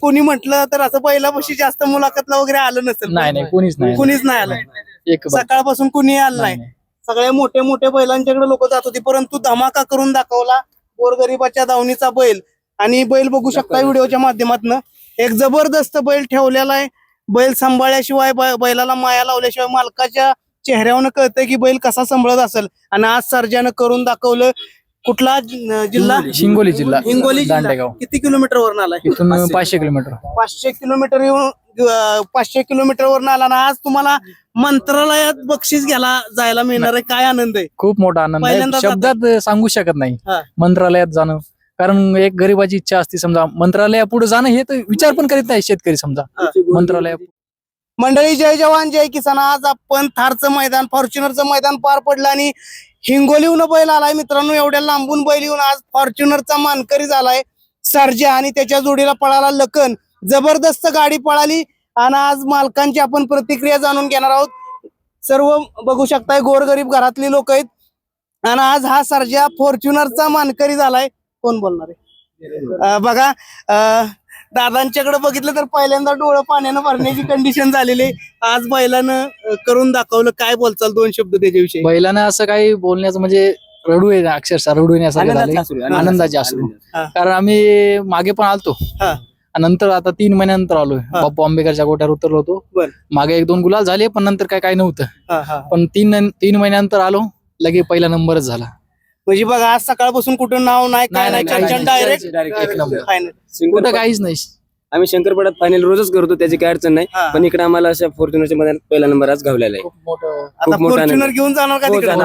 कोणी म्हटलं तर असं बैलापाशी जास्त मुलाखतला वगैरे आलं नसेल. नाही कुणीच नाही आलं. एक सकाळपासून कुणी आलं नाही. सगळ्या मोठ्या बैलांच्याकडे लोक जात होती, परंतु धमाका करून दाखवला गोरगरिबाच्या दावणीचा बैल. आणि बैल बघू शकता व्हिडिओच्या माध्यमातून, एक जबरदस्त बैल ठेवलेला आहे. बैल सांभाळल्याशिवाय बैलाला माया लावल्याशिवाय मालकाच्या चेहऱ्यावरनं कळतंय की बैल कसा सांभाळत असेल. आणि आज सर्जानं करून दाखवलं. कुठला जिल्हा? हिंगोली जिल्हा, हिंगोली जिल्हा. दांडेगाव. किती किलोमीटर वरून आलाय? इथून 500 किलोमीटर. 500 किलोमीटर येऊन 500 किलोमीटर वरून आला ना. आज तुम्हाला मंत्रालयात बक्षीस घ्यायला जायला मिळणार आहे. काय आनंद आहे? खूप मोठा आनंद आहे, पहिल्यांदा शब्दात सांगू शकत नाही. हा. मंत्रालयात जाणं, कारण एक गरीबाची इच्छा असते. समजा मंत्रालया पुढे जाणं हे तर विचार पण करीत नाही शेतकरी. समजा मंत्रालया. मंडळी, जय जवान जय किसान. आज आपण थारचं मैदान, फॉर्च्युनरचं मैदान पार पडलं आणि हिंगोलीहून बैल आलाय मित्रांनो. एवढ्या लांबून बैल येऊन आज फॉर्च्युनरचा मानकरी झालाय सर्जा आणि त्याच्या जोडीला पळाला लखन. जबरदस्त गाडी पळाली आणि आज मालकांची आपण प्रतिक्रिया जाणून घेणार आहोत. सर्व बघू शकताय गोरगरीब घरातली लोक आहेत आणि आज हा सर्जा फॉर्च्युनरचा मानकरी झालाय. कोण बोलणार आहे? बघा, दादांच्याकडे बघितलं तर पहिल्यांदा डोळं पाण्यानं भरण्याची कंडिशन झालेली आहे. आज बैलानं करून दाखवलं. काय बोलचाल, दोन शब्द त्याच्याविषयी? बैलानं असं काही बोलण्याचं म्हणजे रडू आहे, अक्षरशः रडू येण्यासारखं झालंय. आनंदाचे अश्रू. कारण आम्ही मागे पण आलतो, नंतर आता 3 महिन्यानंतर आलोय. बाप्पू आंबेकरच्या गोट्यावर उतरलो होतो. मागे 1-2 गुलाल झाले, पण नंतर काय नव्हतं. पण 3 महिन्यानंतर आलो, लगे पहिला नंबरच झाला. म्हणजे बघा, आज सकाळपासून कुठं नाव नाही, काय नाही, डायरेक्ट एक नंबर. फायनल. कुठं काहीच नाही. आम्ही शंकरपडात फायनल रोजच करतो, त्याची काय अडचण नाही. पण इकडे आम्हाला अशा फॉर्च्युनरच्या मध्ये पहिला नंबर आज घावलेला आहे. आता फॉर्च्युनर घेऊन जाणार का तिकडे?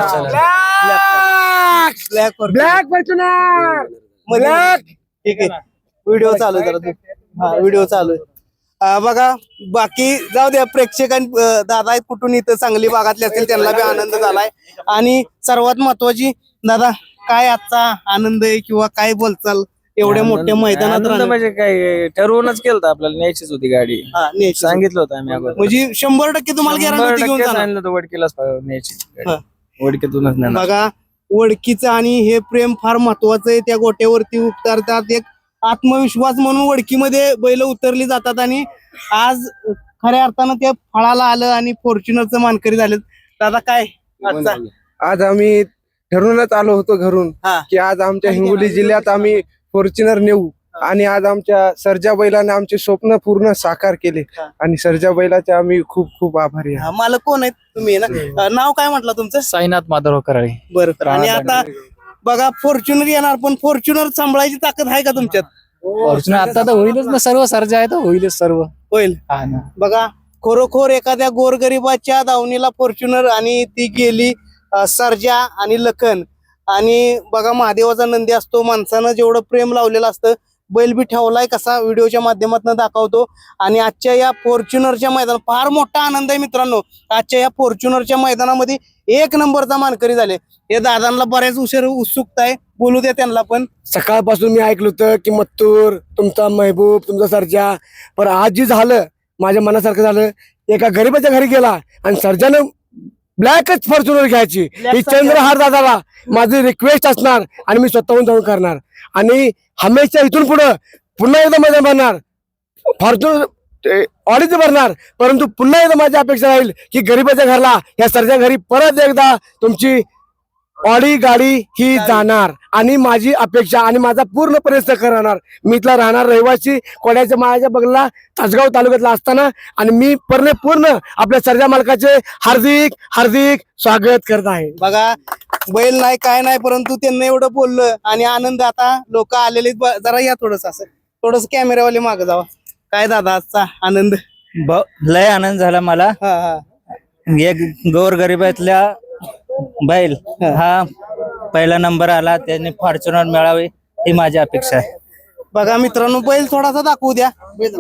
Black Fortuner. ठीक आहे, व्हिडिओ चालू आहे जरा. व्हिडिओ चालू आहे. बघा, बाकी जाऊ द्या. दादा आहेत कुठून, इथं सांगली भागातले असतील, त्यांना बी आनंद झालाय. आणि सर्वात महत्वाची, दादा काय आजचा आनंद आहे किंवा काय बोलचाल एवढ्या मोठ्या मैदानात? म्हणजे काय ठरवूनच केलं आपल्याला, न्यायचीच होती गाडी. सांगितलं होतं आम्ही अगोदर. म्हणजे 100% तुम्हाला गॅरंटी घेऊन जाणार? वडकीलाच न्यायची, वडकीतूनच नाही. बघा, वडकीचं आणि हे प्रेम फार महत्वाचं आहे. त्या गोट्यावरती उतरतात, एक आत्मविश्वास म्हणून वडकीमध्ये बैल उतरली जातात. आणि आज खऱ्या अर्थानं त्या फळाला आलं आणि फॉर्च्युनरचं मानकरी झालं. दादा काय आजचा? आज आम्ही ठरवूनच आलो होतो घरून की आज आमच्या हिंगोली जिल्ह्यात आम्ही फॉर्च्युनर नेऊ. आणि आज आमच्या सर्जा बैलाने आमचे स्वप्न पूर्ण साकार केले. आणि सर्जा बैलाचे आम्ही खूप खूप आभारी आहे. मालक कोण आहेत तुम्ही ना? नाव काय म्हटलं तुमचं? साईनाथ माधवराव कराळे. बरं. आणि आता बघा, फॉर्च्युनर येणार, पण फॉर्च्युनर सांभाळायची ताकद आहे का तुमच्यात? फॉर्च्युनर आता तर होईलच ना, सर्व सर्जा आहे तर होईलच सर्व. होईल. बघा, खरोखर एखाद्या गोरगरिबाच्या दावणीला फॉर्च्युनर आणि ती गेली सर्जा आणि लखन. आणि बघा, महादेवाचा नंदी असतो, माणसानं जेवढं प्रेम लावलेलं असतं, बैल बी ठेवलाय कसा व्हिडिओच्या माध्यमातून दाखवतो. आणि आजच्या या फॉर्च्युनरच्या मैदानात फार मोठा आनंद आहे मित्रांनो. आजच्या या फॉर्च्युनरच्या मैदानामध्ये 1 नंबरचा मानकरी झाले. हे दादांना बऱ्याच उत्सुकता आहे, बोलू द्या त्यांना पण. सकाळपासून मी ऐकलं होतं की मत्तूर तुमचा महबूब, तुमचा सर्जा, पण आज जे झालं माझ्या मनासारखं झालं. एका गरीबाच्या घरी गेला आणि सर्जानं ब्लॅकच फॉर्च्युनर घ्यायची. ही चंद्रहार दादाला माझी रिक्वेस्ट असणार आणि मी स्वतःहून जाऊन करणार. आणि हमेशा इथून पुढे पुन्हा एकदा माझ्या भरणार फॉर्च्युनर ऑडीच भरणार. परंतु पुन्हा एकदा माझी अपेक्षा राहील की गरीबाच्या घरला, या सर्जा घरी परत एकदा तुमची ऑडी गाडी ही जाणार. आणि माझी अपेक्षा आणि माझा पूर्ण प्रयत्न करणार. मी इथला राहणार रहिवासी, कोड्याच्या माळ्याच्या बगला तासगाव तालुक्यातला असताना. आणि मी पूर्ण आपल्या सर्जा मालकाचे हार्दिक हार्दिक स्वागत करत आहे. बघा, बैल नाही काय नाही, परंतु त्यांना एवढं बोललं आणि आनंद. आता लोक आलेले, जरा या थोडस असं, थोडस कॅमेरावाले मागे जावा. काय दादा आजचा आनंद? लय आनंद झाला मला. एक गोरगरिबातल्या बैल हा पहिला नंबर आला, त्याने फॉर्च्युनर मिळावे ही माझी अपेक्षा आहे. बघा मित्रांनो, बैल थोडासा दाखवू द्या.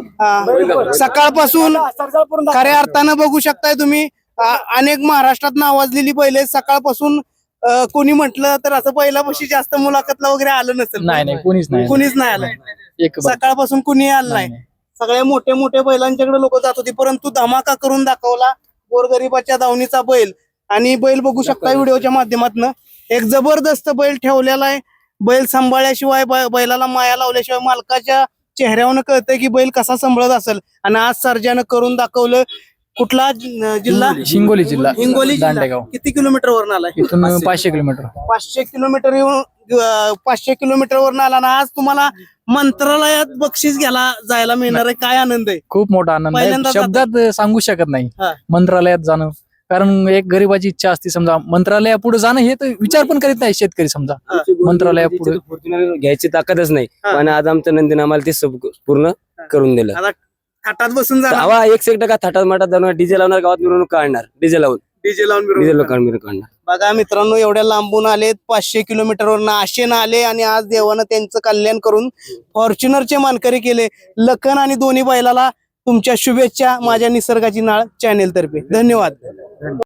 सकाळपासून खऱ्या अर्थानं बघू शकताय तुम्ही, अनेक महाराष्ट्रात नावाजलेली बैल आहेत. सकाळपासून कोणी म्हटलं तर असं बैलापाशी जास्त मुलाखतला वगैरे आलं नसेल. नाही कुणीच नाही आलं. सकाळपासून कुणी आलं नाही. सगळ्या मोठ्या बैलांच्याकडे लोक जात होती, परंतु धमाका करून दाखवला गोरगरिबाच्या दावणीचा बैल. आणि बैल बघू शकता व्हिडिओच्या माध्यमातून, एक जबरदस्त बैल ठेवलेला आहे. बैल सांभाळल्याशिवाय बैलाला माया लावल्याशिवाय मालकाच्या चेहऱ्यावरनं कळतंय की बैल कसा सांभाळत असेल. आणि आज सर्जानं करून दाखवलं. कुठला जिल्हा? हिंगोली जिल्हा हिंगोली जिल्हा. दांडेगाव. किती किलोमीटर वरून आलाय? इथून 500 किलोमीटर. 500 किलोमीटर येऊन 500 किलोमीटर वरून आला ना. आज तुम्हाला मंत्रालयात बक्षीस घ्यायला जायला मिळणार आहे. काय आनंद आहे. खूप मोठा आनंद आहे, पहिल्यांदा शब्दात सांगू शकत नाही. हा. मंत्रालयात जाणं, कारण एक गरीबाची इच्छा असते. समजा मंत्रालयापुढे जाणं हे तर विचार पण करीत नाही शेतकरी. समजा मंत्रालयापुढे फॉर्च्युनर घ्यायची ताकदच नाही, हा. पण आज आमच्या नंदीने आम्हाला ते सब पूर्ण करून दिलं. आता थाटात बसून जाणार. आवा 1% थाटात माटात जाणार, डीजे लावणार, गावात मिरवणूक काढणार, डीजे लावून डीजे लावून डीजे मिरवणूक. काढणार. बघा मित्रांनो, एवढ्या लांबून आलेत, 500 किलोमीटरवरून आशेनं आले आणि आज देवानं त्यांचं कल्याण करून फॉर्च्युनरचे मानकरी केले. लखन आणि दोन्ही बैलाला तुमच्या शुभेच्छा माझ्या निसर्गाची नाळ चॅनेल तर्फे. धन्यवाद.